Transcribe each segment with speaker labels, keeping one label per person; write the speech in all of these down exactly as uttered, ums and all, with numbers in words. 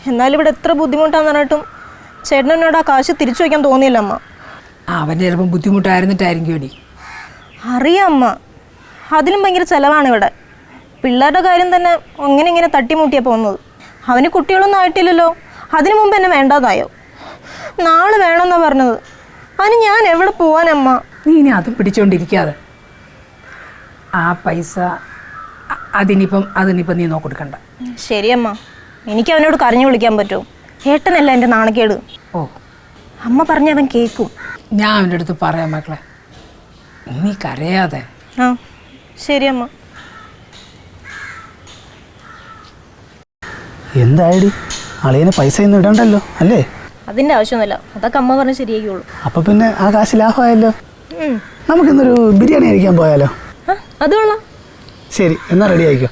Speaker 1: എന്നാലും ഇവിടെ എത്ര ബുദ്ധിമുട്ടാന്ന് പറഞ്ഞിട്ടും ചേട്ടനോട് ആ കാശ് തിരിച്ചു വയ്ക്കാൻ തോന്നിയില്ല അമ്മ.
Speaker 2: അവൻ്റെ ചിലപ്പം ബുദ്ധിമുട്ടായിരുന്നിട്ടായിരിക്കും എടി.
Speaker 1: അറിയാം അമ്മ, അതിലും ഭയങ്കര ചിലവാണ് ഇവിടെ. പിള്ളേരുടെ കാര്യം തന്നെ അങ്ങനെ ഇങ്ങനെ തട്ടിമുട്ടിയാണ് പോകുന്നത്. അവന് കുട്ടികളൊന്നും ആയിട്ടില്ലല്ലോ, അതിനു മുമ്പ് എന്നെ വേണ്ടാതായോ? നാളെ വേണമെന്നാണ് പറഞ്ഞത്. അതിന് ഞാൻ എവിടെ പോവാനമ്മ?
Speaker 2: നീ ഇനി അത് പിടിച്ചോണ്ടിരിക്കാതെ ആ പൈസ അതിനിപ്പം അതിനിപ്പം നീ നോക്കെടുക്കണ്ട.
Speaker 1: ശരിയമ്മ, എനിക്ക് അവനോട് കരഞ്ഞു വിളിക്കാൻ പറ്റുമോ? ഏട്ടനല്ല എൻ്റെ നാണക്കേട്.
Speaker 2: ഓ,
Speaker 1: അമ്മ പറഞ്ഞ അവൻ കേൾക്കും.
Speaker 2: ഞാൻ അവൻ്റെ അടുത്ത് പറയാം മക്കളെ, നീ കരയാതെ.
Speaker 1: ആ ശരിയമ്മ.
Speaker 3: എന്തായടി, അളിയന് പൈസ ഒന്നും ഇടണ്ടല്ലോ അല്ലേ?
Speaker 1: അതിൻ്റെ ആവശ്യമൊന്നുമില്ല, അതൊക്കെ അമ്മ പറഞ്ഞ് ശരിയാക്കിയുള്ളൂ.
Speaker 3: അപ്പൊ പിന്നെ ആ കാശ് ലാഭമായല്ലോ. നമുക്കിന്നൊരു ബിരിയാണി കഴിക്കാൻ പോയാലോ?
Speaker 1: അത് കൊള്ളാം.
Speaker 3: ശരി, എന്നാ റെഡി ആയിക്കോ.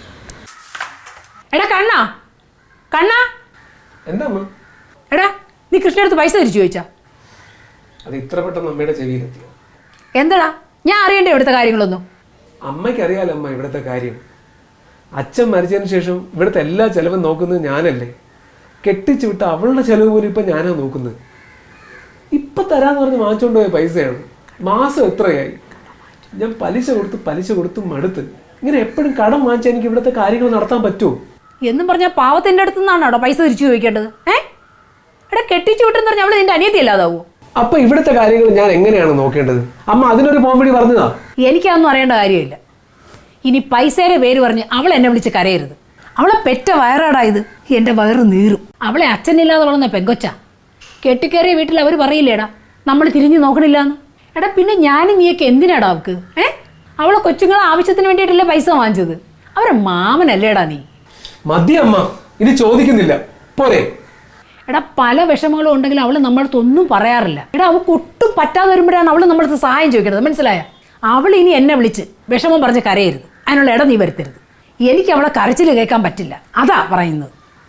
Speaker 2: എടാ കണ്ണാ, കണ്ണാ,
Speaker 4: എന്താ
Speaker 2: എടാ നീ കൃഷ്ണടുത്ത് പൈസ തിരിച്ചു ചോദിച്ചാ?
Speaker 4: അത് ഇത്ര പെട്ടെന്ന് അമ്മയുടെ ചെവിയിലെത്തിയോ?
Speaker 2: എന്താടാ, ഞാൻ അറിയണ്ടേ ഇവിടുത്തെ കാര്യങ്ങളൊന്നും?
Speaker 4: അമ്മയ്ക്ക് അറിയാലോ അമ്മ ഇവിടുത്തെ കാര്യം. അച്ഛൻ മരിച്ചതിന് ശേഷം ഇവിടുത്തെ എല്ലാ ചെലവും നോക്കുന്നത് ഞാനല്ലേ. കെട്ടിച്ചു വിട്ട അവളുടെ ചെലവ് പോലും ഇപ്പം ഞാനാ നോക്കുന്നത്. ഇപ്പം തരാന്ന് പറഞ്ഞ് വാങ്ങിച്ചുകൊണ്ട് പോയ പൈസയാണ്. മാസം എത്രയായി? ഞാൻ പലിശ കൊടുത്ത് പലിശ കൊടുത്ത് മടുത്ത്. ഇങ്ങനെ എപ്പോഴും കടം വാങ്ങിച്ചാൽ എനിക്ക് ഇവിടുത്തെ കാര്യങ്ങൾ നടത്താൻ പറ്റുമോ?
Speaker 2: എന്നും പറഞ്ഞാൽ പാവത്തിൻ്റെ അടുത്ത് നിന്നാണോ പൈസ തിരിച്ചു ചോദിക്കേണ്ടത്? ഏ എടാ, കെട്ടിച്ചു വിട്ടെന്ന് പറഞ്ഞാൽ അവള് നിന്റെ അനിയത്തി അല്ലാതാവോ?
Speaker 4: അപ്പൊ ഇവിടുത്തെ കാര്യങ്ങൾ ഞാൻ എങ്ങനെയാണ് നോക്കേണ്ടത്? അമ്മ അതിനൊരു പോംവഴി പറഞ്ഞതാ.
Speaker 2: എനിക്കതൊന്നും അറിയേണ്ട കാര്യമില്ല. ഇനി പൈസയുടെ പേര് പറഞ്ഞ് അവൾ എന്നെ വിളിച്ച് കരയരുത്. അവളെ പെറ്റ വയറാടാ ഇത്. എൻ്റെ വയറ് നീറും. അവളെ അച്ഛനില്ലാതെ വളർന്ന പെങ്കൊച്ച. കെട്ടിക്കയറിയ വീട്ടിൽ അവർ പറയില്ലേടാ നമ്മൾ തിരിഞ്ഞു നോക്കണില്ലാന്ന്. എടാ പിന്നെ ഞാനും നീയൊക്കെ എന്തിനാടാ അവൾക്ക്? ഏ അവളെ കൊച്ചുങ്ങളെ ആവശ്യത്തിന് വേണ്ടിയിട്ടല്ലേ പൈസ വാങ്ങിച്ചത്. അവരെ മാമനല്ലേടാ നീ.
Speaker 4: മതി അമ്മ, ഇനി ചോദിക്കുന്നില്ല, പോരെ?
Speaker 2: എടാ പല വിഷമങ്ങളും ഉണ്ടെങ്കിലും അവൾ നമ്മളടുത്ത് ഒന്നും പറയാറില്ല. എടാ അവൾക്ക് ഒട്ടും പറ്റാതെ വരുമ്പോഴാണ് അവൾ നമ്മളടുത്ത് സഹായം ചോദിക്കുന്നത്, മനസ്സിലായ? അവൾ ഇനി എന്നെ വിളിച്ച് വിഷമം പറഞ്ഞ് കരയരുത്. അതിനുള്ള ഇടം നീ വരുത്തരുത്. എനിക്ക് അവളെ കരച്ചിൽ കേൾക്കാൻ പറ്റില്ല, അതാ പറയുന്നത്.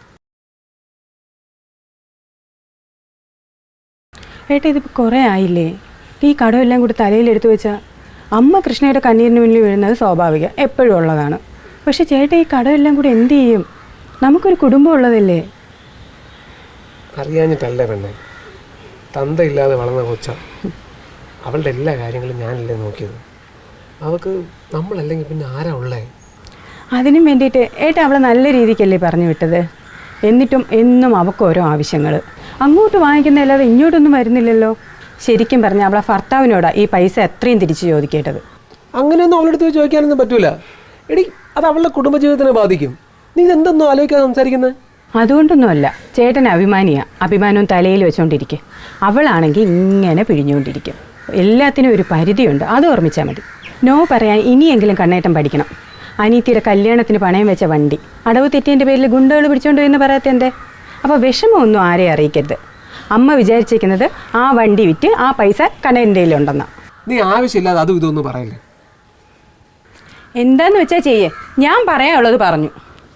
Speaker 5: ഏട്ടാ ഇതിപ്പോൾ കുറേ ആയില്ലേ? ഈ കടമെല്ലാം കൂടി തലയിലെടുത്ത് വെച്ചാൽ അമ്മ കൃഷ്ണയുടെ കണ്ണീരിന് മുന്നിൽ വീഴുന്നത് സ്വാഭാവികം, എപ്പോഴും ഉള്ളതാണ്. പക്ഷെ ചേട്ടാ ഈ കടമെല്ലാം കൂടി എന്ത് ചെയ്യും? നമുക്കൊരു കുടുംബം ഉള്ളതല്ലേ?
Speaker 4: അറിയാഞ്ഞിട്ടല്ലേ പെണ്ണെ, തന്തയില്ലാതെ വളർന്ന കൊച്ച. അവളുടെ എല്ലാ കാര്യങ്ങളും ഞാനല്ലേ നോക്കിയത്. അവൾക്ക് നമ്മളല്ലെങ്കിൽ പിന്നെ ആരാ ഉള്ളേ?
Speaker 5: അതിനും വേണ്ടിയിട്ട് ഏട്ടാ അവളെ നല്ല രീതിക്കല്ലേ പറഞ്ഞു വിട്ടത്. എന്നിട്ടും എന്നും അവൾക്ക് ഓരോ ആവശ്യങ്ങൾ. അങ്ങോട്ട് വാങ്ങിക്കുന്നതല്ലാതെ ഇങ്ങോട്ടൊന്നും വരുന്നില്ലല്ലോ. ശരിക്കും പറഞ്ഞാൽ അവളെ ഭർത്താവിനോടാ ഈ പൈസ എത്രയും തിരിച്ചു ചോദിക്കേണ്ടത്.
Speaker 4: അങ്ങനെയൊന്നും അവളുടെ അടുത്ത് ചോദിക്കാനൊന്നും പറ്റൂല. എടി, അത് അവളുടെ കുടുംബജീവിതത്തിനെ ബാധിക്കും. നീ ഇതെന്തൊന്നും ആലോചിക്കാതെ സംസാരിക്കുന്നത്?
Speaker 5: അതുകൊണ്ടൊന്നുമല്ല, ചേട്ടൻ അഭിമാനിയാണ്. അഭിമാനവും തലയിൽ വെച്ചുകൊണ്ടിരിക്കുക. അവളാണെങ്കിൽ ഇങ്ങനെ പിഴിഞ്ഞുകൊണ്ടിരിക്കും. എല്ലാത്തിനും ഒരു പരിധിയുണ്ട്, അത് ഓർമ്മിച്ചാൽ മതി. നോ പറയാൻ ഇനിയെങ്കിലും കണ്ണേട്ടം പഠിക്കണം. അനീത്തിയുടെ കല്യാണത്തിന് പണയം വെച്ച വണ്ടി അടവ് തെറ്റിൻ്റെ പേരിൽ ഗുണ്ടകൾ പിടിച്ചോണ്ട് എന്ന് പറയാത്തതിൻ്റെ. അപ്പോൾ വിഷമമൊന്നും ആരെയും അറിയിക്കരുത്. അമ്മ വിചാരിച്ചിരിക്കുന്നത് ആ വണ്ടി വിറ്റ് ആ പൈസ കണ്ണേൻ്റെ കയ്യിലുണ്ടെന്നാ.
Speaker 4: നീ ആവശ്യമില്ലാതെ അതും ഇതൊന്നും പറയില്ലേ.
Speaker 5: എന്താന്ന് വെച്ചാൽ ചെയ്യേ, ഞാൻ പറയാനുള്ളത് പറഞ്ഞു.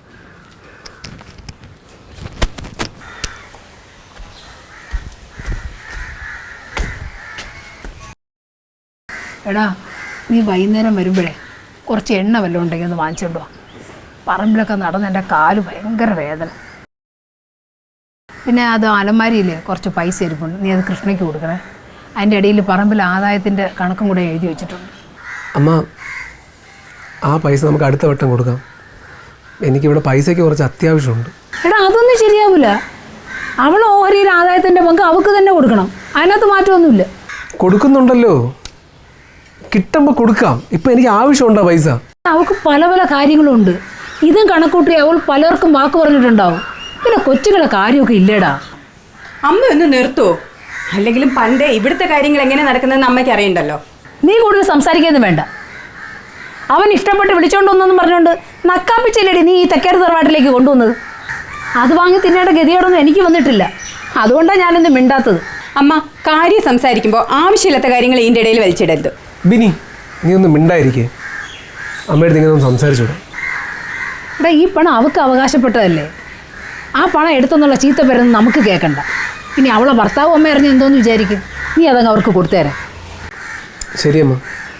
Speaker 2: എടാ നീ വൈകുന്നേരം വരുമ്പോഴേ കുറച്ച് എണ്ണ വല്ലതും ഉണ്ടെങ്കിൽ ഒന്ന് വാങ്ങിച്ചോണ്ടോ. പറമ്പിലൊക്കെ നടന്ന് എൻ്റെ കാല് ഭയങ്കര വേദന. പിന്നെ അത് അലമാരിയില്ലേ കുറച്ച് പൈസ ഇരിപ്പുണ്ട്, നീ അത് കൃഷ്ണയ്ക്ക് കൊടുക്കണേ. അതിൻ്റെ ഇടയിൽ പറമ്പിൽ ആദായത്തിൻ്റെ കണക്കും കൂടെ എഴുതി വെച്ചിട്ടുണ്ട്.
Speaker 4: അമ്മ, ആ പൈസ നമുക്ക് അടുത്ത വട്ടം കൊടുക്കാം. എനിക്കിവിടെ പൈസയ്ക്ക് കുറച്ച് അത്യാവശ്യമുണ്ട്.
Speaker 2: എടാ അതൊന്നും ശരിയാവില്ല. അവൾ ഓഹരിയിൽ ആദായത്തിൻ്റെ പങ്ക് അവൾക്ക് തന്നെ കൊടുക്കണം. അതിനകത്ത് മാറ്റമൊന്നുമില്ല.
Speaker 4: കൊടുക്കുന്നുണ്ടല്ലോ, കിട്ടുമ്പോൾ കൊടുക്കാം. ഇപ്പം എനിക്ക് ആവശ്യമുണ്ടോ പൈസ?
Speaker 2: അവൾക്ക് പല പല കാര്യങ്ങളുണ്ട്. ഇതും കണക്കൂട്ടി അവൾ പലർക്കും വാക്ക് പറഞ്ഞിട്ടുണ്ടാവും. പിന്നെ കൊച്ചുകളെ കാര്യമൊക്കെ ഇല്ലേടാ.
Speaker 5: അമ്മ ഒന്ന് നിർത്തുമോ? അല്ലെങ്കിലും പണ്ടേ ഇവിടുത്തെ കാര്യങ്ങൾ എങ്ങനെ നടക്കുന്നതെന്ന് അമ്മയ്ക്ക് അറിയണ്ടല്ലോ.
Speaker 2: നീ കൂടുതൽ സംസാരിക്കാനും വേണ്ട. അവൻ ഇഷ്ടപ്പെട്ട് വിളിച്ചോണ്ടോന്നൊന്നും പറഞ്ഞുകൊണ്ട് നക്കാപ്പിച്ചില്ലടി നീ ഈ തെക്കേട് തറവാട്ടിലേക്ക് കൊണ്ടുവന്നത്. അത് വാങ്ങി തിന്നേണ്ട ഗതിയോടൊന്നും എനിക്ക് വന്നിട്ടില്ല. അതുകൊണ്ടാണ് ഞാനിന്ന് മിണ്ടാത്തത്.
Speaker 5: അമ്മ കാര്യം സംസാരിക്കുമ്പോൾ ആവശ്യമില്ലാത്ത കാര്യങ്ങൾ ഇതിൻ്റെ ഇടയിൽ വലിച്ചിടരുത്.
Speaker 4: ബിനി, നീ ഒന്ന് മിണ്ടായിരിക്കേ. അമ്മയുടെ നിങ്ങളൊന്നും സംസാരിച്ചൂടെ?
Speaker 2: എടാ ഈ പണം അവൾക്ക് അവകാശപ്പെട്ടതല്ലേ. ആ പണം എടുത്തെന്നുള്ള ചീത്ത പേരൊന്നും നമുക്ക് കേൾക്കണ്ട. ഇനി അവളെ ഭർത്താവും അമ്മ അറിഞ്ഞ് എന്തോന്ന് വിചാരിക്കും. നീ അതങ്ങ് അവർക്ക് കൊടുത്തേരാ.
Speaker 4: ശരിയമ്മ,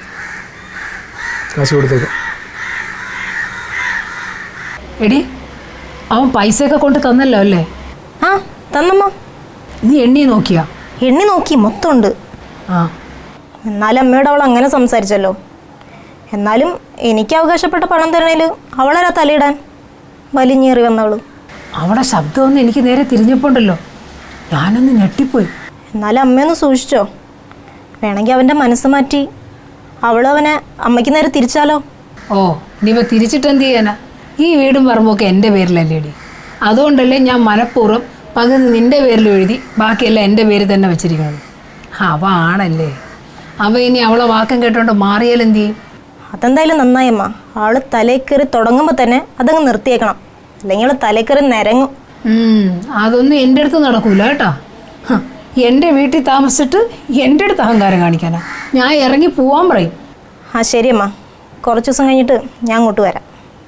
Speaker 4: കാശ് കൊടുത്തേക്കാം.
Speaker 2: എടി അവൻ പൈസയൊക്കെ കൊണ്ട് തന്നല്ലോ അല്ലേ?
Speaker 1: ആ തന്നമ്മ.
Speaker 2: നീ എണ്ണി നോക്കിയാ?
Speaker 1: എണ്ണി നോക്കി, മൊത്തമുണ്ട്.
Speaker 2: ആ
Speaker 1: എന്നാലും അമ്മയോട് അവൾ അങ്ങനെ സംസാരിച്ചല്ലോ. എന്നാലും എനിക്ക് അവകാശപ്പെട്ട പണം തരണേൽ അവളാ തലയിടാൻ വലിഞ്ഞേറി വന്നവള്.
Speaker 2: അവിടെ ശബ്ദമൊന്നും എനിക്ക് നേരെ തിരിഞ്ഞപ്പോണ്ടല്ലോ, ഞാനൊന്ന് ഞെട്ടിപ്പോയി.
Speaker 1: എന്നാലും അമ്മയൊന്ന് സൂക്ഷിച്ചോ. വേണമെങ്കിൽ അവൻ്റെ മനസ്സ് മാറ്റി അവളവനെ അമ്മയ്ക്ക് നേരെ തിരിച്ചാലോ.
Speaker 2: ഓ ഇനിയിപ്പോൾ തിരിച്ചിട്ട് എന്ത് ചെയ്യാനാ? ഈ വീടും പറമ്പൊക്കെ എൻ്റെ പേരിലല്ലേടി. അതുകൊണ്ടല്ലേ ഞാൻ മനഃപൂർവ്വം പകുതി നിൻ്റെ പേരിൽ എഴുതി ബാക്കിയെല്ലാം എൻ്റെ പേരിൽ തന്നെ വെച്ചിരിക്കുന്നത്. അവ ആണല്ലേ, അവ ഇനി അവളെ വാക്കം കേട്ടോണ്ട് മാറിയാൽ എന്ത് ചെയ്യും?
Speaker 1: അതെന്തായാലും നന്നായമ്മ. അവൾ തലയിൽ കയറി തുടങ്ങുമ്പോൾ തന്നെ അതങ്ങ് നിർത്തിയേക്കണം, അല്ലെങ്കിൽ അവൾ തലയിൽ കയറി നിരങ്ങും.
Speaker 2: അതൊന്നും എൻ്റെ അടുത്ത് നടക്കൂല കേട്ടോ. എൻ്റെ വീട്ടിൽ താമസിച്ചിട്ട് എൻ്റെ അടുത്ത് അഹങ്കാരം കാണിക്കാനാ. ഞാൻ ഇറങ്ങി പോവാൻ പറയും.
Speaker 1: ആ ശരിയമ്മ, കുറച്ച് ദിവസം കഴിഞ്ഞിട്ട് ഞാൻ അങ്ങോട്ട് വരാം.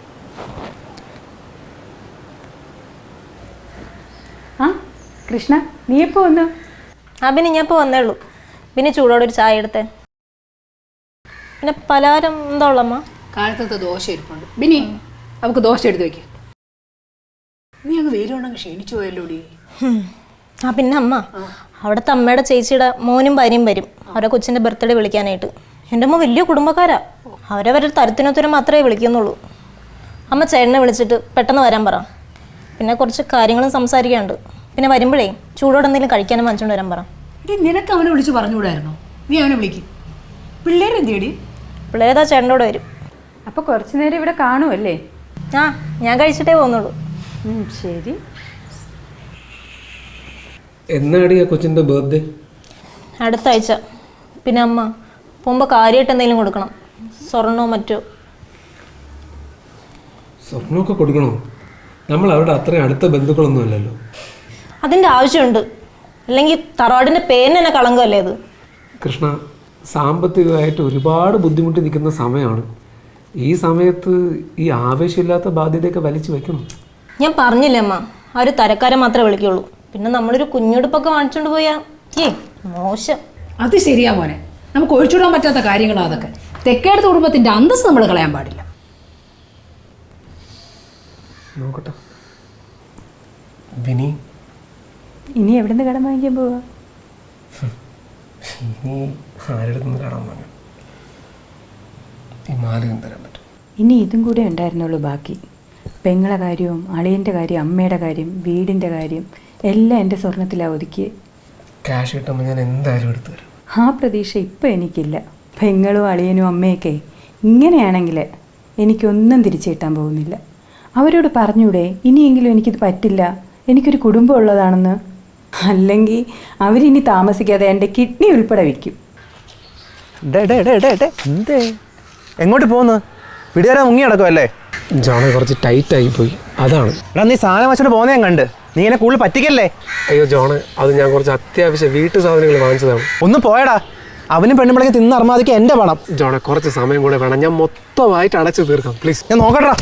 Speaker 5: ആ കൃഷ്ണ, നീ എപ്പോൾ വന്നു?
Speaker 1: ആ പിന്നെ ഞാൻ ഇപ്പോൾ വന്നേ ഉള്ളൂ. പിന്നെ ചൂടോടെ ഒരു ചായ എടുത്തേ. പിന്നെ പലഹാരം എന്താ ഉള്ളമ്മ?
Speaker 2: കാലത്തത്തെ ദോശ ഇരിപ്പുണ്ട്. ബിനി നമുക്ക് ദോശ എടുത്ത് വയ്ക്കുക. നീ അങ്ങ് വെയിലുണ്ടെങ്കിൽ ക്ഷീണിച്ചു പോയല്ലോടി.
Speaker 1: ആ പിന്നെ അമ്മ, അവിടുത്തെ അമ്മയുടെ ചേച്ചിയുടെ മോനും ഭാര്യയും വരും അവരെ കൊച്ചിൻ്റെ ബർത്ത്ഡേ വിളിക്കാനായിട്ട്. എൻ്റെ അമ്മ വലിയ കുടുംബക്കാരാ. അവരവരുടെ തരത്തിനൊത്തരം മാത്രമേ വിളിക്കുന്നുള്ളൂ. അമ്മ ചേട്ടനെ വിളിച്ചിട്ട് പെട്ടെന്ന് വരാൻ പറ. പിന്നെ കുറച്ച് കാര്യങ്ങളും സംസാരിക്കാനുണ്ട്. പിന്നെ വരുമ്പോഴേ ചൂടോടെ എന്തെങ്കിലും കഴിക്കാനും വാങ്ങിച്ചുകൊണ്ട് വരാൻ പറ.
Speaker 2: എടി നിനക്ക് അവനെ വിളിച്ച് പറഞ്ഞുകൂടായിരുന്നോ? നീ അവനെ വിളിക്കും. പിള്ളേരെന്തേടി?
Speaker 1: പിള്ളേരേതാ ചേട്ടനോട് വരും.
Speaker 5: അപ്പോൾ കുറച്ച് നേരം ഇവിടെ കാണുമല്ലേ?
Speaker 1: ആ ഞാൻ കഴിച്ചിട്ടേ പോകുന്നുള്ളൂ.
Speaker 5: ശരി.
Speaker 4: എന്നാടി ആ കൊച്ചിൻ്റെ ബർത്ത്ഡേ?
Speaker 1: അടുത്ത ആഴ്ച. പിന്നെ അമ്മ പോകുമ്പോൾ കാര്യമായിട്ട് എന്തെങ്കിലും കൊടുക്കണം, സ്വർണ്ണമോ മറ്റോ.
Speaker 4: സ്വർണ്ണമൊക്കെ കൊടുക്കണോ? നമ്മൾ അവിടെ അത്രയും അടുത്ത ബന്ധുക്കളൊന്നും അല്ലല്ലോ.
Speaker 1: അതിൻ്റെ ആവശ്യമുണ്ട്, അല്ലെങ്കിൽ തറവാടിൻ്റെ പേരിന് തന്നെ കളങ്കമല്ലേ അത്.
Speaker 4: കൃഷ്ണ, സാമ്പത്തികമായിട്ട് ഒരുപാട് ബുദ്ധിമുട്ടി നിൽക്കുന്ന സമയമാണ്. ഈ സമയത്ത് ഈ ആവേശമില്ലാത്ത ബാധ്യതയൊക്കെ വലിച്ചു വെക്കണം.
Speaker 1: ഞാൻ പറഞ്ഞില്ലേ അമ്മ, ആ ഒരു തരക്കാരെ മാത്രമേ വിളിക്കുള്ളൂ. പിന്നെ നമ്മളൊരു കുഞ്ഞുടുപ്പൊക്കെ വാങ്ങിച്ചുകൊണ്ട് പോയാൽ ഏ മോശം.
Speaker 2: അത് ശരിയാ മോനെ, നമുക്ക് ഒഴിച്ചുവിടാൻ പറ്റാത്ത കാര്യങ്ങളാണ് അതൊക്കെ. തെക്കേടത്ത് കുടുംബത്തിൻ്റെ അന്തസ്സ് നമ്മൾ കളയാൻ പാടില്ല.
Speaker 4: നോക്കട്ടെ വിനി,
Speaker 5: ഇനി എവിടെ നിന്ന് കടം വാങ്ങിക്കാൻ പോവാ?
Speaker 4: ഇനി ആരുടെ നിന്ന് കടം വാങ്ങാം? ഈ മാലയും തരാൻ പറ്റും.
Speaker 5: ഇനി ഇതും കൂടെ ഉണ്ടായിരുന്നുള്ളൂ ബാക്കി. പെങ്ങളെ കാര്യവും അളിയൻ്റെ കാര്യം, അമ്മയുടെ കാര്യം, വീടിൻ്റെ കാര്യം എല്ലാം എൻ്റെ സ്വർണത്തിലാണ് ഒതുക്കി.
Speaker 4: ക്യാഷ് കിട്ടുമ്പോൾ ഞാൻ എന്തായാലും എടുത്തു തരാം.
Speaker 5: ആ പ്രതീക്ഷ ഇപ്പം എനിക്കില്ല. പെങ്ങളും അളിയനും അമ്മയൊക്കെ ഇങ്ങനെയാണെങ്കിൽ എനിക്കൊന്നും തിരിച്ചു കിട്ടാൻ പോകുന്നില്ല. അവരോട് പറഞ്ഞൂടെ ഇനിയെങ്കിലും എനിക്കിത് പറ്റില്ല, എനിക്കൊരു കുടുംബം ഉള്ളതാണെന്ന്? അല്ലെങ്കിൽ അവരിനി താമസിക്കാതെ എൻ്റെ കിഡ്നി ഉൾപ്പെടെ വയ്ക്കും.
Speaker 6: എന്തേ എങ്ങോട്ട് പോകുന്നു? പിടിയാരാ മുങ്ങി നടക്കുമല്ലേ?
Speaker 4: ജോണെ കുറച്ച് ടൈറ്റ് ആയി പോയി, അതാണ്.
Speaker 6: എടാ നീ സാധനം വെച്ചിട്ട് പോകുന്ന ഞാൻ കണ്ട്. നീ എന്നെ കൂടുതൽ പറ്റിക്കല്ലേ?
Speaker 4: അയ്യോ ജോണെ, അത് ഞാൻ കുറച്ച് അത്യാവശ്യം വീട്ടു സാധനങ്ങൾ വാങ്ങിച്ചതാണ്.
Speaker 6: ഒന്ന് പോയടാ, അവനും പെണ്ണുമ്പിളക്ക് തിന്ന് അർമാദിക്ക് എൻ്റെ പണം.
Speaker 4: ജോണെ കുറച്ച് സമയം കൂടെ വേണം, ഞാൻ മൊത്തമായിട്ട് അടച്ചു തീർക്കാം പ്ലീസ്.
Speaker 6: ഞാൻ നോക്കട്ടാ.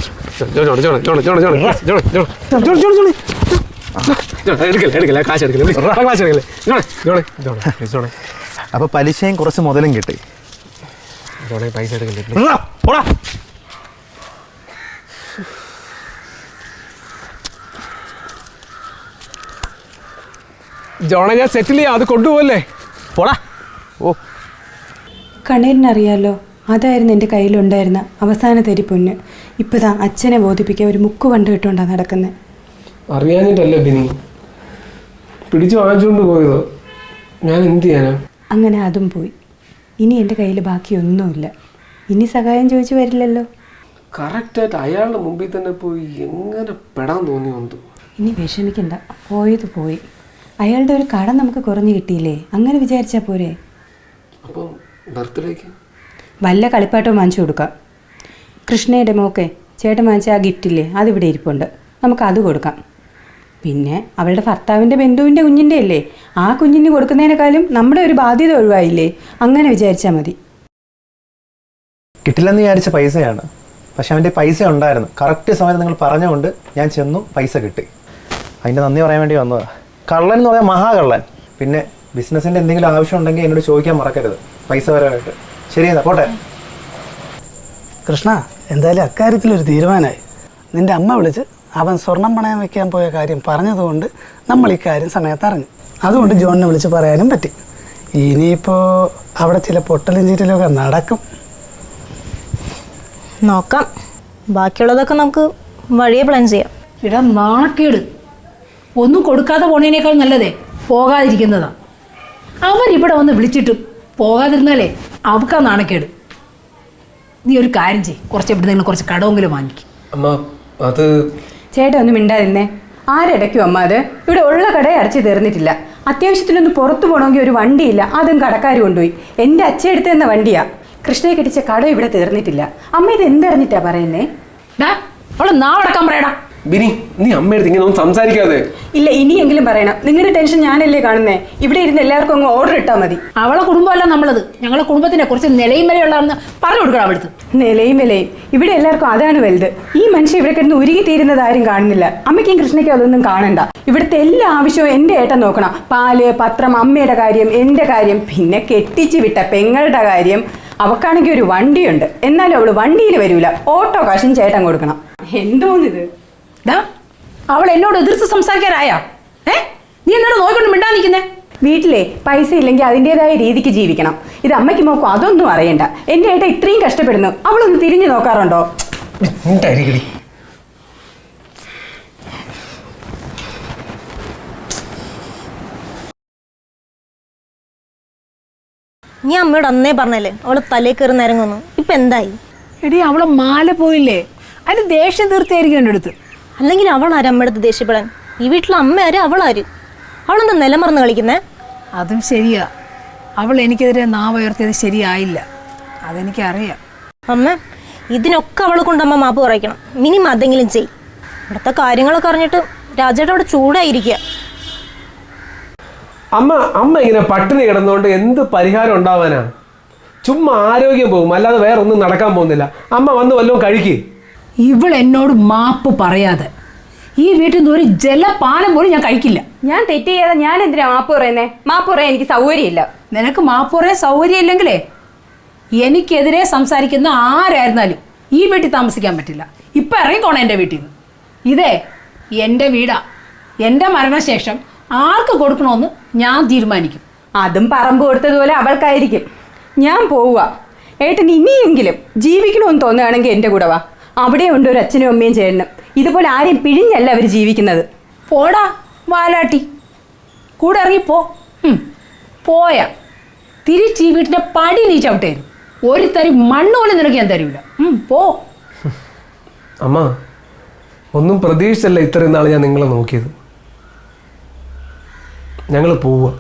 Speaker 6: അപ്പൊ പലിശയും കുറച്ച് മുതലും കിട്ടി.
Speaker 4: ജോണെ പൈസ എടുക്കല്ലേ?
Speaker 6: പോടാ.
Speaker 4: ജോണെ ഞാൻ സെറ്റിൽ ചെയ്യാം, അത് കൊണ്ടുപോകല്ലേ?
Speaker 6: പോടാ. ഓ
Speaker 5: കണ്ണീരിനറിയാലോ, അതായിരുന്നു എൻ്റെ കയ്യിലുണ്ടായിരുന്ന അവസാന തരി പൊന്ന്. ഇപ്പതാ അച്ഛനെ ബോധിപ്പിക്കാൻ ഒരു മുക്ക് കണ്ടു കിട്ടുകൊണ്ടാണ് നടക്കുന്നത്.
Speaker 4: അറിയാഞ്ഞിട്ടല്ലേ ബിനി, പിടിച്ചു വാങ്ങിച്ചുകൊണ്ട് പോയതോ? ഞാൻ എന്ത് ചെയ്യാനാ?
Speaker 5: അങ്ങനെ അതും പോയി. ഇനി എൻ്റെ കയ്യിൽ ബാക്കിയൊന്നുമില്ല. ഇനി സഹായം ചോദിച്ചു വരില്ലല്ലോ.
Speaker 4: കറക്റ്റായിട്ട് അയാളുടെ മുമ്പിൽ തന്നെ പോയി എങ്ങനെ പെടാൻ തോന്നി വന്നു.
Speaker 5: ഇനി വിഷമിക്കണ്ട, പോയത് പോയി. അയാളുടെ ഒരു കടം നമുക്ക് കുറഞ്ഞു കിട്ടിയില്ലേ, അങ്ങനെ വിചാരിച്ചാൽ പോരെ.
Speaker 4: അപ്പം ബർത്ത്ഡേക്ക്
Speaker 5: വല്ല കളിപ്പാട്ടവും വാങ്ങിച്ചു കൊടുക്കാം. കൃഷ്ണയുടെ മോക്കെ ചേട്ടൻ വാങ്ങിച്ച ആ ഗിഫ്റ്റില്ലേ, അതിവിടെ ഇരിപ്പുണ്ട്, നമുക്ക് അത് കൊടുക്കാം. പിന്നെ അവളുടെ ഭർത്താവിൻ്റെ ബന്ധുവിൻ്റെ കുഞ്ഞിൻ്റെ അല്ലേ, ആ കുഞ്ഞിന് കൊടുക്കുന്നതിനേക്കാളും നമ്മുടെ ഒരു ബാധ്യത ഒഴിവായില്ലേ, അങ്ങനെ വിചാരിച്ചാൽ മതി.
Speaker 6: കിട്ടില്ലെന്ന് വിചാരിച്ച പൈസയാണ്, പക്ഷെ അവൻ്റെ പൈസ ഉണ്ടായിരുന്നു. കറക്റ്റ് സമയത്ത് നിങ്ങൾ പറഞ്ഞുകൊണ്ട് ഞാൻ ചെന്നു, പൈസ കിട്ടി. അതിൻ്റെ നന്ദി പറയാൻ വേണ്ടി വന്നതാ. കള്ളൻ എന്ന് പറയാൻ മഹാകള്ളൻ. പിന്നെ ബിസിനസ്സിൻ്റെ എന്തെങ്കിലും ആവശ്യം ഉണ്ടെങ്കിൽ എന്നോട് ചോദിക്കാൻ മറക്കരുത്, പൈസ വരാനായിട്ട്. ശരി എന്നാ പോട്ടെ.
Speaker 3: കൃഷ്ണ, എന്തായാലും അക്കാര്യത്തിലൊരു തീരുമാനമായി. നിൻ്റെ അമ്മ വിളിച്ച് അവൻ സ്വർണം പണയം വെക്കാൻ പോയ കാര്യം പറഞ്ഞതുകൊണ്ട് നമ്മൾ ഈ കാര്യം സമയത്ത് അറിഞ്ഞു. അതുകൊണ്ട് ജോണിനെ വിളിച്ച് പറയാനും പറ്റി. ഇനിയിപ്പോൾ അവിടെ ചില പൊട്ടലും ചീറ്റലൊക്കെ നടക്കും.
Speaker 1: നോക്കാം, ബാക്കിയുള്ളതൊക്കെ നമുക്ക് വഴിയെ പ്ലാൻ ചെയ്യാം.
Speaker 2: ഇടാ നാണക്കേട്, ഒന്നും കൊടുക്കാതെ പോണേനേക്കാൾ നല്ലതേ പോകാതിരിക്കുന്നതാ. അവരിവിടെ വന്ന് വിളിച്ചിട്ട് പോകാതിരുന്നാലേ അവക്കാ നാണക്കേട്. നീ ഒരു കാര്യം ചെയ്യ്, കുറച്ച് എവിടെ നിങ്ങൾ കുറച്ച് കടമെങ്കിലും വാങ്ങിക്കും.
Speaker 4: അമ്മ അത്
Speaker 5: ചേട്ടാ ഒന്നും മിണ്ടാതിരുന്നേ. ആരടയ്ക്കും അമ്മ അത്? ഇവിടെ ഉള്ള കടയെ അടച്ചു തീർന്നിട്ടില്ല. അത്യാവശ്യത്തിനൊന്ന് പുറത്തു പോകണമെങ്കിൽ ഒരു വണ്ടിയില്ല, അതും കടക്കാർ കൊണ്ടുപോയി. എൻ്റെ അച്ഛൻ എടുത്തു തന്ന വണ്ടിയാ. കൃഷ്ണയെ കെട്ടിച്ച കട ഇവിടെ തീർന്നിട്ടില്ല. അമ്മ ഇത് എന്തറിഞ്ഞിട്ടാ പറയുന്നേ?
Speaker 2: ഡാ അവളെ നാവടക്കാൻ പറയടാ.
Speaker 4: ബിനി, നീ അമ്മയെടുത്ത് ഇങ്ങനെ ഒന്നും സംസാരിക്കാതെ.
Speaker 5: ഇല്ല, ഇനിയെങ്കിലും പറയണം. നിങ്ങളുടെ ടെൻഷൻ ഞാനല്ലേ കാണുന്നേ. ഇവിടെ ഇരുന്ന് എല്ലാവർക്കും അങ്ങ് ഓർഡർ ഇട്ടാൽ മതി.
Speaker 2: അവളെ കുടുംബമല്ല നമ്മളത്. ഞങ്ങളെ കുടുംബത്തിനെ കുറച്ച് നിലയും വിലയുള്ളതെന്ന് പറഞ്ഞു കൊടുക്കണം അവിടുത്തെ.
Speaker 5: നിലയും വിലയും ഇവിടെ എല്ലാവർക്കും അതാണ് വലുത്. ഈ മനുഷ്യൻ ഇവിടെ കിടന്ന് ഉരുകി തീരുന്നത് ആരും കാണുന്നില്ല. അമ്മയ്ക്കും കൃഷ്ണയ്ക്കും അതൊന്നും കാണണ്ട. ഇവിടുത്തെ എല്ലാ ആവശ്യവും എൻ്റെ ഏട്ടൻ നോക്കണം. പാല്, പത്രം, അമ്മയുടെ കാര്യം, എൻ്റെ കാര്യം, പിന്നെ കെട്ടിച്ച് വിട്ട പെങ്ങളുടെ കാര്യം. അവക്കാണെങ്കിൽ ഒരു വണ്ടിയുണ്ട്, എന്നാലും അവള് വണ്ടിയിൽ വരൂല. ഓട്ടോ കാശും ചേട്ടൻ കൊടുക്കണം. എന്തോന്നിത്?
Speaker 2: ഡാ അവൾ എന്നോട് എതിർത്ത് സംസാരിക്കാനായാ? ഏ നീ എന്നോട് നോക്കിക്കൊണ്ട് മിണ്ടാ നിൽക്കുന്നേ?
Speaker 5: വീട്ടിലെ പൈസ ഇല്ലെങ്കിൽ അതിൻ്റെതായ രീതിക്ക് ജീവിക്കണം. ഇത് അമ്മയ്ക്ക് നോക്കും അതൊന്നും അറിയണ്ട. എൻ്റെ ഏട്ട ഇത്രയും കഷ്ടപ്പെടുന്നു, അവളൊന്ന് തിരിഞ്ഞു നോക്കാറുണ്ടോ?
Speaker 1: നീ അമ്മയോട് അന്നേ പറഞ്ഞല്ലേ അവള് തലേ കയറി നിരങ്ങുന്നു. ഇപ്പൊ എന്തായി?
Speaker 2: എടി അവളെ മാല പോയില്ലേ, അതിന് ദേഷ്യം തീർത്തായിരിക്കും എൻ്റെ അടുത്ത്.
Speaker 1: അല്ലെങ്കിൽ അവളാര് അമ്മയുടെ ദേഷ്യപ്പെടാൻ? ഈ വീട്ടിലെ അമ്മ ആര്, അവളാര്? അവളെന്താ നിലമറന്ന് കളിക്കുന്നേ?
Speaker 2: അതും ശരിയാ. അവൾ എനിക്കെതിരെ നാവുയർത്തിയത് ശരിയായില്ല, അതെനിക്കറിയാം.
Speaker 1: അമ്മ, ഇതിനൊക്കെ അവളെ കൊണ്ട് അമ്മ മാപ്പ് പറയിക്കണം. മിനിമം അതെങ്കിലും ചെയ്. ഇവിടുത്തെ കാര്യങ്ങളൊക്കെ അറിഞ്ഞിട്ട് രാജേട്ടൻ അവിടെ ചൂടായിരിക്കുക.
Speaker 4: അമ്മ അമ്മ ഇങ്ങനെ പട്ടിണി കിടന്നുകൊണ്ട് എന്ത് പരിഹാരം ഉണ്ടാവാനാ? ചുമ്മാ ആരോഗ്യം പോകും, അല്ലാതെ വേറെ ഒന്നും നടക്കാൻ പോകുന്നില്ല. അമ്മ വന്ന് വല്ലതും കഴിക്കേ.
Speaker 2: ഇവൾ എന്നോട് മാപ്പ് പറയാതെ ഈ വീട്ടിൽ നിന്ന് ഒരു ജലപാനം പോലും ഞാൻ കഴിക്കില്ല.
Speaker 5: ഞാൻ തെറ്റ് ചെയ്യാതെ ഞാൻ എന്തിനാ മാപ്പ് പറയുന്നേ? മാപ്പ് പറയാൻ എനിക്ക് സൗകര്യമില്ല.
Speaker 2: നിനക്ക് മാപ്പ് പറയാൻ സൗകര്യം ഇല്ലെങ്കിലേ എനിക്കെതിരെ സംസാരിക്കുന്ന ആരായിരുന്നാലും ഈ വീട്ടിൽ താമസിക്കാൻ പറ്റില്ല. ഇപ്പം ഇറങ്ങിക്കോണം എൻ്റെ വീട്ടിൽ നിന്ന്. ഇതേ എൻ്റെ വീടാ. എൻ്റെ മരണശേഷം ആർക്ക് കൊടുക്കണമെന്ന് ഞാൻ തീരുമാനിക്കും.
Speaker 5: അതും പറമ്പ് കൊടുത്തതുപോലെ അവൾക്കായിരിക്കും. ഞാൻ പോവുക. ഏട്ടൻ ഇനിയെങ്കിലും ജീവിക്കണമെന്ന് തോന്നുകയാണെങ്കിൽ എൻ്റെ കൂടെ വാ. അവിടെ ഉണ്ട് ഒരു അച്ഛനും അമ്മയും ചേട്ടനും. ഇതുപോലെ ആരെയും പിഴിഞ്ഞല്ല അവർ ജീവിക്കുന്നത്.
Speaker 2: പോടാ വാലാട്ടി, കൂടെ ഇറങ്ങിപ്പോ. പോയാ തിരിച്ച് ഈ വീട്ടിൻ്റെ പടി നീ ചവിട്ടായിരുന്നു. ഒരു തരി മണ്ണ് പോലും നിനക്ക് ഞാൻ തരൂല. പോ.
Speaker 4: അമ്മ, ഒന്നും പ്രതീക്ഷിച്ചല്ല ഇത്രയും നാൾ ഞാൻ നിങ്ങളെ നോക്കിയത്. ഞങ്ങൾ പോവുക.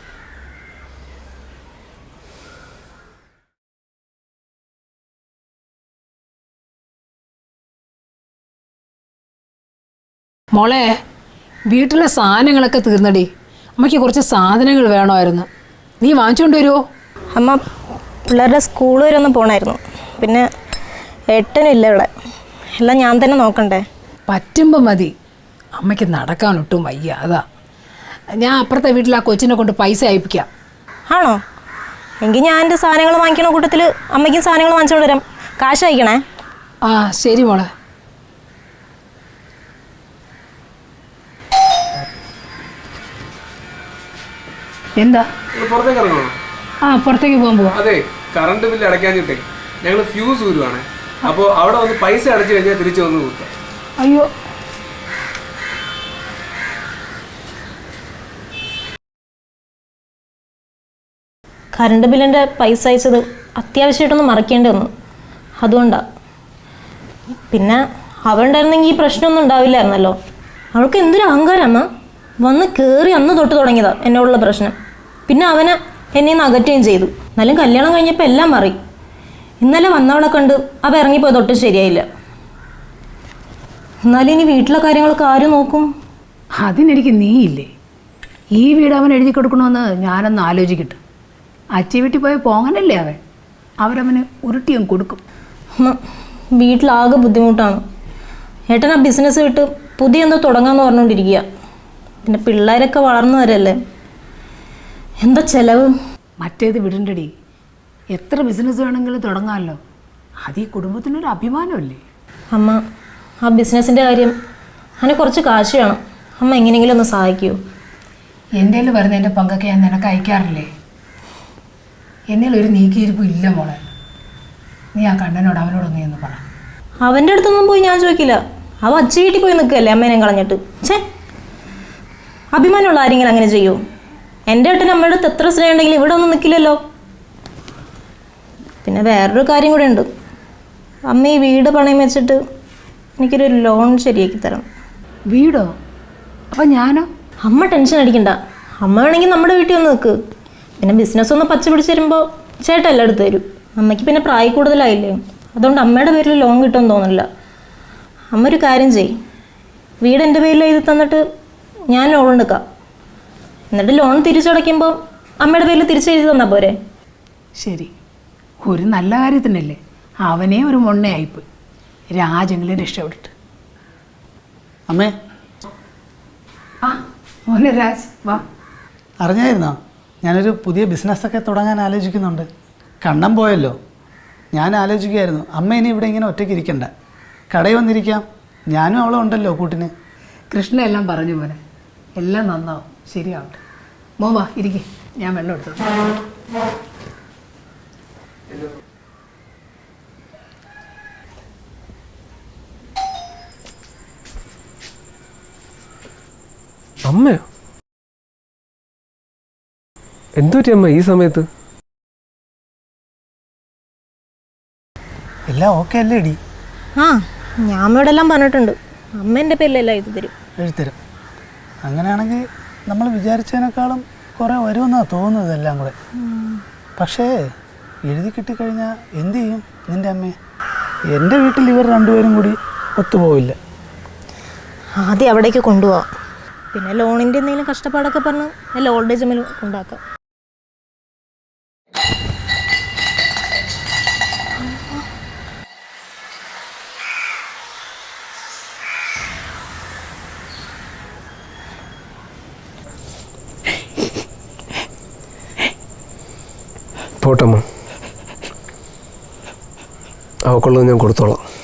Speaker 2: മോളെ, വീട്ടിലെ സാധനങ്ങളൊക്കെ തീർന്നടി. അമ്മയ്ക്ക് കുറച്ച് സാധനങ്ങൾ വേണമായിരുന്നു, നീ വാങ്ങിച്ചുകൊണ്ട് വരുമോ?
Speaker 1: അമ്മ, പിള്ളേരുടെ സ്കൂൾ വരെ ഒന്ന് പോകണമായിരുന്നു. പിന്നെ ഏട്ടനില്ല ഇവിടെ, എല്ലാം ഞാൻ തന്നെ നോക്കണ്ടേ?
Speaker 2: പറ്റുമ്പോൾ മതി. അമ്മയ്ക്ക് നടക്കാനൊട്ടും വയ്യ, അതാ. ഞാൻ അപ്പുറത്തെ വീട്ടിൽ ആ കൊച്ചിനെ കൊണ്ട് പൈസ അയപ്പിക്കാം.
Speaker 1: ആണോ? എങ്കിൽ ഞാൻ എൻ്റെ സാധനങ്ങൾ വാങ്ങിക്കണ കൂട്ടത്തിൽ അമ്മയ്ക്കും സാധനങ്ങൾ വാങ്ങിച്ചുകൊണ്ട് വരാം. കാശ് അയക്കണേ.
Speaker 2: ആ ശരി മോളെ. എന്താ?
Speaker 4: പുറത്തേക്ക് ഇറങ്ങണോ?
Speaker 2: ആ പുറത്തേക്ക് പോകാൻ പോവാം.
Speaker 4: അതെ, കറണ്ട് ബില്ല് അടയ്ക്കാഞ്ഞിട്ടേ ഞങ്ങൾ ഫ്യൂസ് ഊരുവാണ്. അപ്പോൾ അവിടെ വന്ന് പൈസ അടച്ചു കഴിഞ്ഞാൽ തിരിച്ചു വന്ന് കൂട്ടാം.
Speaker 2: അയ്യോ,
Speaker 1: കറണ്ട് ബില്ലിൻ്റെ പൈസ അയച്ചത് അത്യാവശ്യമായിട്ടൊന്ന് മറക്കേണ്ടി വന്നു, അതുകൊണ്ടാണ്. പിന്നെ അവളുണ്ടായിരുന്നെങ്കിൽ ഈ പ്രശ്നമൊന്നും ഉണ്ടാവില്ലായിരുന്നല്ലോ. അവൾക്ക് എന്തൊരു അഹങ്കാരമ്മ. വന്ന് കയറി അന്ന് തൊട്ട് തുടങ്ങിയതാണ് എന്നോടുള്ള പ്രശ്നം. പിന്നെ അവനെ എന്നെ നിന്ന് അകറ്റുകയും ചെയ്തു. എന്നാലും കല്യാണം കഴിഞ്ഞപ്പോൾ എല്ലാം മാറി. ഇന്നലെ വന്നവളെ കണ്ട് അവ ഇറങ്ങിപ്പോയി തൊട്ട് ശരിയായില്ല. എന്നാലും ഇനി വീട്ടിലെ കാര്യങ്ങളൊക്കെ ആര് നോക്കും?
Speaker 2: അതിനെനിക്ക് നീയില്ലേ. ഈ വീട് അവൻ എഴുതി കൊടുക്കണമെന്ന് ഞാനൊന്ന് ആലോചിക്കട്ടെ. അച്ചി വീട്ടിൽ പോയ പോങ്ങനല്ലേ അവൻ, അവരവന് ഉരുട്ടിയും കൊടുക്കും.
Speaker 1: വീട്ടിലാകെ ബുദ്ധിമുട്ടാണ്. ഏട്ടൻ ആ ബിസിനസ് വിട്ട് പുതിയ എന്തോ തുടങ്ങാമെന്ന് പറഞ്ഞുകൊണ്ടിരിക്കുക. പിന്നെ പിള്ളേരൊക്കെ വളർന്നു വരല്ലേ, എന്താ ചെലവ്.
Speaker 2: മറ്റേത് വിടണ്ടടി, എത്ര ബിസിനസ് വേണമെങ്കിലും തുടങ്ങാമല്ലോ. അത് ഈ കുടുംബത്തിനൊരു അഭിമാനമല്ലേ.
Speaker 1: അമ്മ, ആ ബിസിനസ്സിൻ്റെ കാര്യം അതിന് കുറച്ച് കാശ് വേണം. അമ്മ എങ്ങനെയെങ്കിലും ഒന്ന് സഹായിക്കൂ.
Speaker 2: എൻ്റെ കയ്യിൽ വരുന്ന എൻ്റെ പങ്കൊക്കെ ഞാൻ നിനക്ക് അയക്കാറില്ലേ? എന്നിൽ ഒരു നീക്കിയിരിപ്പും ഇല്ല മോളെ. നീ ആ കണ്ണനോട് അവനോടൊന്നും എന്ന് പറ.
Speaker 1: അവൻ്റെ അടുത്തൊന്നും പോയി ഞാൻ ചോദിക്കില്ല. അവ അച്ഛ വീട്ടിൽ പോയി നിൽക്കുകയല്ലേ അമ്മേനെ കളഞ്ഞിട്ട്. ഛേ, അഭിമാനമുള്ള ആരെങ്കിലും അങ്ങനെ ചെയ്യൂ? എൻ്റെ ഏട്ടൻ അമ്മയുടെ അടുത്ത് എത്ര സ്നേഹം ഉണ്ടെങ്കിലും ഇവിടെ ഒന്നും നിൽക്കില്ലല്ലോ. പിന്നെ വേറൊരു കാര്യം കൂടെ ഉണ്ട്. അമ്മ ഈ വീട് പണയം വെച്ചിട്ട് എനിക്കൊരു ലോൺ ശരിയാക്കി തരണം.
Speaker 2: വീടോ? അപ്പം ഞാനോ?
Speaker 1: അമ്മ ടെൻഷൻ അടിക്കണ്ട. അമ്മ വേണമെങ്കിൽ നമ്മുടെ വീട്ടിൽ ഒന്ന് നിൽക്ക്. പിന്നെ ബിസിനസ് ഒന്ന് പച്ച പിടിച്ച് തരുമ്പോൾ ചേട്ടൻ എല്ലാം എടുത്ത് തരും. അമ്മയ്ക്ക് പിന്നെ പ്രായം കൂടുതലായില്ലേ, അതുകൊണ്ട് അമ്മയുടെ പേരിൽ ലോൺ കിട്ടുമെന്ന് തോന്നില്ല. അമ്മ ഒരു കാര്യം ചെയ്യും, വീട് എൻ്റെ പേരിൽ എഴുതി തന്നിട്ട് ഞാൻ ലോൺ എടുക്കാം. എന്നിട്ട് ലോൺ തിരിച്ചടയ്ക്കുമ്പോൾ അമ്മയുടെ പേരിൽ തിരിച്ചെഴുതി തന്നാൽ പോരെ?
Speaker 2: ശരി, ഒരു നല്ല കാര്യത്തിനല്ലേ. അവനേ ഒരു മൊണ്ണയായിപ്പോയി. രാജെങ്കിലും രക്ഷപ്പെട്ടിട്ട്.
Speaker 3: അമ്മേ,
Speaker 2: ആ മോനെ രാജ് വാ.
Speaker 3: അറിഞ്ഞായിരുന്നോ ഞാനൊരു പുതിയ ബിസിനസ്സൊക്കെ തുടങ്ങാൻ ആലോചിക്കുന്നുണ്ട്. കണ്ണം പോയല്ലോ. ഞാൻ ആലോചിക്കുമായിരുന്നു അമ്മ ഇനി ഇവിടെ ഇങ്ങനെ ഒറ്റയ്ക്ക് ഇരിക്കണ്ട, കടയിൽ വന്നിരിക്കാം. ഞാനും അവളും ഉണ്ടല്ലോ കൂട്ടിന്.
Speaker 2: കൃഷ്ണ എല്ലാം പറഞ്ഞു പോലെ എല്ലാം നന്നാവും, ശരിയാവട്ടെ. മോൻ വാ ഇരിക്കേ, ഞാൻ വെള്ളം എടുത്തു.
Speaker 4: അമ്മയോ? എന്തുപറ്റി അമ്മ ഈ സമയത്ത്?
Speaker 3: എല്ലാം ഓക്കെ അല്ലേ ഇടി?
Speaker 1: ആ, ഞാൻ അമ്മയോടെ എല്ലാം പറഞ്ഞിട്ടുണ്ട്. അമ്മ എൻ്റെ പേരിലെല്ലാം എഴുതി തരും.
Speaker 3: എഴുത്തരും. അങ്ങനെയാണെങ്കിൽ നമ്മൾ വിചാരിച്ചതിനേക്കാളും കുറേ വരുമെന്നാണ് തോന്നുന്നത് എല്ലാം കൂടെ. പക്ഷേ എഴുതി കിട്ടിക്കഴിഞ്ഞാൽ എന്തു ചെയ്യും നിൻ്റെ അമ്മയെ? എൻ്റെ വീട്ടിൽ ഇവർ രണ്ടുപേരും കൂടി ഒത്തുപോവില്ല.
Speaker 1: ആദ്യം അവിടേക്ക് കൊണ്ടുപോവാം. പിന്നെ ലോണിൻ്റെ എന്തെങ്കിലും കഷ്ടപ്പാടൊക്കെ പറഞ്ഞ് നല്ല ഓൾഡ് ഏജ് ഹോമിൽ കൊണ്ടാക്കാം.
Speaker 4: പോട്ടമ്മ, അവക്കുള്ളത് ഞാൻ കൊടുത്തോളാം.